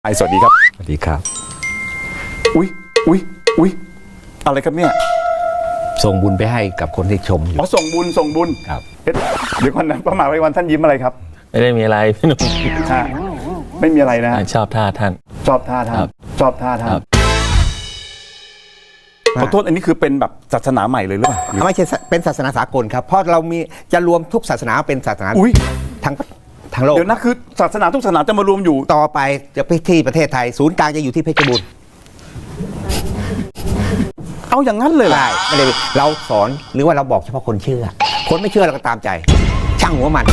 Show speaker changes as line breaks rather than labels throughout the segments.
สวัสดีครับ
สวัสดีครับ
อุ๊ยอะไรครับเนี่ย
ส่งบุญไปให้กับคนที่ชมอยู่
อ๋อส่งบุญ
ครับ
เดี๋ยวก่อนนะพระมหาภัยวันท่านยิ้มอะไรครับ
ไม่ได้มีอะไรพี่หนุ่ม
ไม่มีอะไรนะ
ชอบท่าท่าน
ชอบท่าท่านขอโทษอันนี้คือเป็นแบบศาสนาใหม่เลยหรือเปล่า
ไม่ใช่เป็นศาสนาสากลครับเพราะเรามีจะรวมทุกศาสนาเป็นศาสนาทั้งโลก
เดี๋ยวนะคือศาสนาทุกศาสนาจะมารวมอยู่
ต่อไปจะไปที่ประเทศไทยศูนย์กลางจะอยู่ที่เพชรบูรณ์
เอาอย่างนั้นเลยเหรอ
ใช่ไม่ได้เราสอนหรือว่าเราบอกเฉพาะคนเชื่อคนไม่เชื่อเราก็ตามใจช่างหัวมัน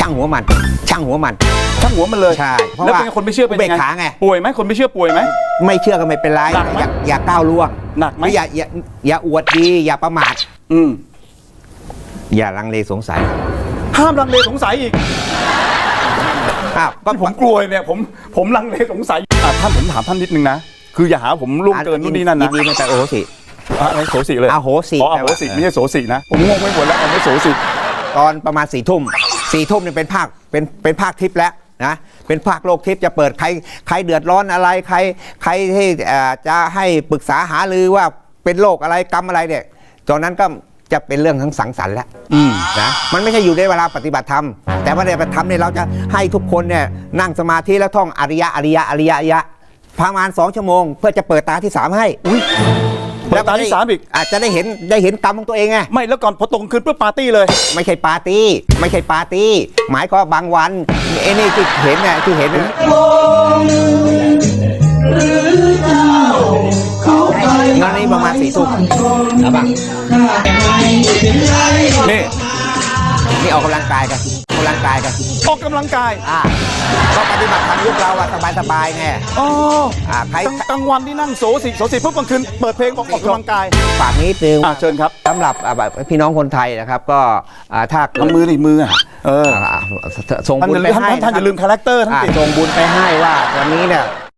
เลย
ใช่แล้วเป็นคนไม่เชื่อเป็นไงป่วยไหมคนไม่เชื่อป่วยไหม
ไม่เชื่อก็ไม่เป็นไรอย่าก้าวล่วง
หนักไหม
อย่าอวดดีอย่าประมาทอย่าลังเลสงสัย
ห้ามลังเลสงสัยอีก
ก็
ผมกลัวเนี่ยผมลังเลสงสัยท่านผมถามท่านนิดนึงนะคืออย่าหาผมล่วงเกินนู่นนี่นั่นนะ
ยินดีไม่แต่โอโหสิ
อะไรโสสิเลย
โหสิ
อ๋อโหสิไม่ใช่โสสินะผมงงไม่หมดแล้วไม่โสสิ
ตอนประมาณ4 ทุ่มเนี่ยเป็นภาคทิพย์แล้วนะเป็นภาคโลกทิพย์จะเปิดใครเดือดร้อนอะไรใครที่จะให้ปรึกษาหารือว่าเป็นโรคอะไรกรรมอะไรเนี่ยตอนนั้นก็จะเป็นเรื่องทั้งสังสรรค์แล้วนะมันไม่ใช่อยู่ในเวลาปฏิบัติธรรมแต่ว่าในปฏิบัติธรรมเนี่ยเราจะให้ทุกคนเนี่ยนั่งสมาธิแล้วท่องอริยะประมาณ2 ชั่วโมงเพื่อจะเปิดตาที่3ให้
เปิดตาที่3อีก
อาจจะได้เห็นกรรมของตัวเองไง
ไม่แล้วก่อนพอตรงคืนเพื่อปาร์ตี้เลย
ไม่ใช่ปาร์ตี้หมายก็บางวันไอ้นี่ที่เห็นเนี่ยงานนี้ประมาณ4 ทุ่มนะบ้างนี่ออกกำลังกายกัน
ออกกำลังกาย
ก็ปฏิบัติธรรมยุคเราอะสบายไง
ใครกลางวันที่นั่งโสสิปุ๊บกลางคืนเปิดเพลงออกกำลังกาย
ฝากนิดนึง
เชิญครับ
สำหรับพี่น้องคนไทยนะครับก็ถ้า
มือ
ส่งบุญไปให้
ท่านอย่าลืมคาแรคเตอร์ท่าน
ส่งบุญไปให้ว่าวันนี้เนี่ย